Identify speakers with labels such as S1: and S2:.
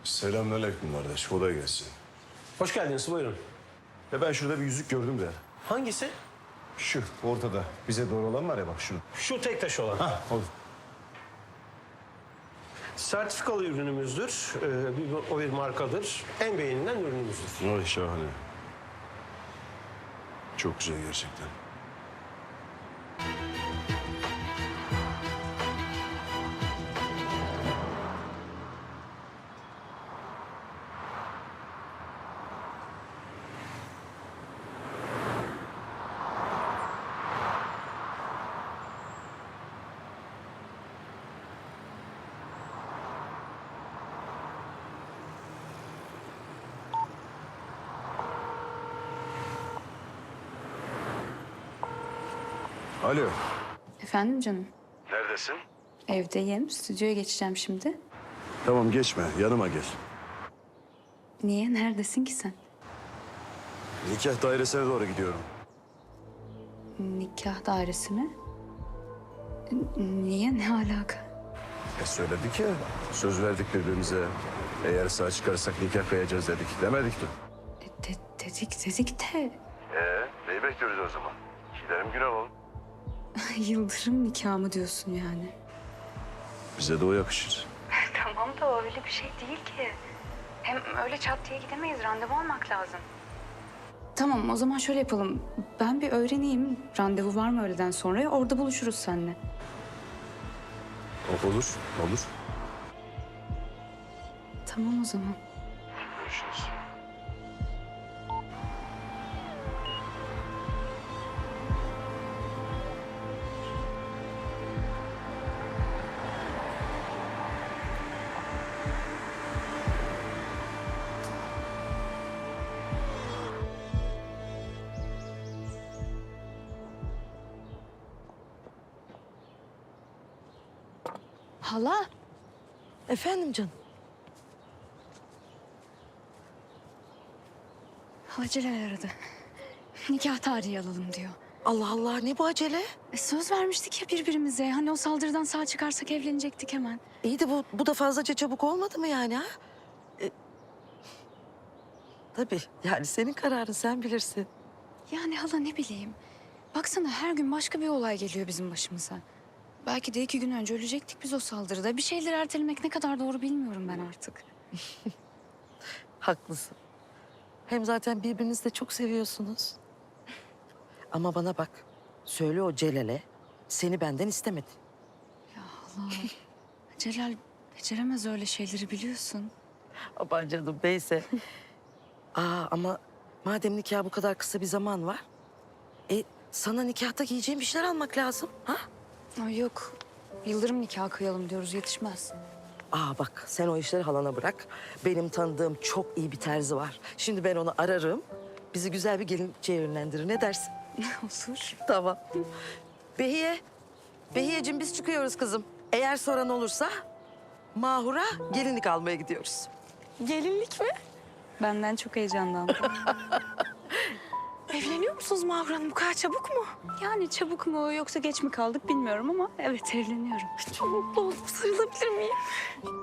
S1: Selamünaleyküm kardeş. Kolay gelsin.
S2: Hoş geldiniz, buyurun.
S1: Ben şurada bir yüzük gördüm de.
S2: Hangisi?
S1: Şu ortada. Bize doğru olan var ya bak şu.
S2: Şu tek taş olan.
S1: Olur.
S2: Sertifikalı ürünümüzdür. O bir markadır. En beğenilen ürünümüzdür.
S1: Ay şahane. Çok güzel gerçekten. Alo.
S3: Efendim canım?
S1: Neredesin?
S3: Evdeyim. Stüdyoya geçeceğim şimdi.
S1: Tamam geçme. Yanıma gel.
S3: Niye? Neredesin ki sen?
S1: Nikah dairesine doğru gidiyorum.
S3: Nikah dairesi mi? Niye? Ne alaka?
S1: Söyledik ya. Söz verdik birbirimize. Eğer sağ çıkarsak nikah kıyacağız dedik. Demedik mi?
S3: Dedik de
S1: Neyi bekliyoruz o zaman? Gidelim gün alalım.
S3: Yıldırım nikahı mı diyorsun yani?
S1: Bize de o yakışır.
S3: Tamam da öyle bir şey değil ki. Hem öyle çat diye gidemeyiz. Randevu almak lazım. Tamam o zaman şöyle yapalım. Ben bir öğreneyim. Randevu var mı öğleden sonra? Orada buluşuruz seninle.
S1: Olur, olur.
S3: Tamam o zaman.
S1: Görüşürüz.
S3: Hala.
S4: Efendim canım.
S3: Haceler aradı. Nikah tarihi alalım diyor.
S4: Allah Allah ne bu acele?
S3: Söz vermiştik ya birbirimize. Hani o saldırıdan sağ çıkarsak evlenecektik hemen.
S4: İyi de bu da fazlaca çabuk olmadı mı yani ha? Tabii yani senin kararın sen bilirsin.
S3: Yani hala ne bileyim. Baksana her gün başka bir olay geliyor bizim başımıza. Belki de 2 gün önce ölecektik biz o saldırıda. Bir şeyleri ertelemek ne kadar doğru bilmiyorum ben artık.
S4: Haklısın. Hem zaten birbirinizi de çok seviyorsunuz. Ama bana bak. Söyle o Celal'e seni benden istemedi.
S3: Hala Celal beceremez öyle şeyleri biliyorsun.
S4: Aman canım neyse. Ama madem nikah bu kadar kısa bir zaman var. Sana nikahta giyeceğim bir şeyler almak lazım. Ha?
S3: Ay yok. Yıldırım nikahı kıyalım diyoruz yetişmez.
S4: Bak sen o işleri halana bırak. Benim tanıdığım çok iyi bir terzi var. Şimdi ben onu ararım. Bizi güzel bir gelinlikçiye yönlendirir. Ne dersin?
S3: Olur.
S4: Tamam. Behiye. Behiyeciğim biz çıkıyoruz kızım. Eğer soran olursa Mahur'a gelinlik almaya gidiyoruz.
S3: Gelinlik mi? Benden çok heyecanlandım.
S5: Evleniyor musunuz Mahur Hanım? Bu kadar çabuk mu?
S3: Yani çabuk mu yoksa geç mi kaldık bilmiyorum ama evet evleniyorum.
S5: Çok mutlu oldum. Sarılabilir miyim?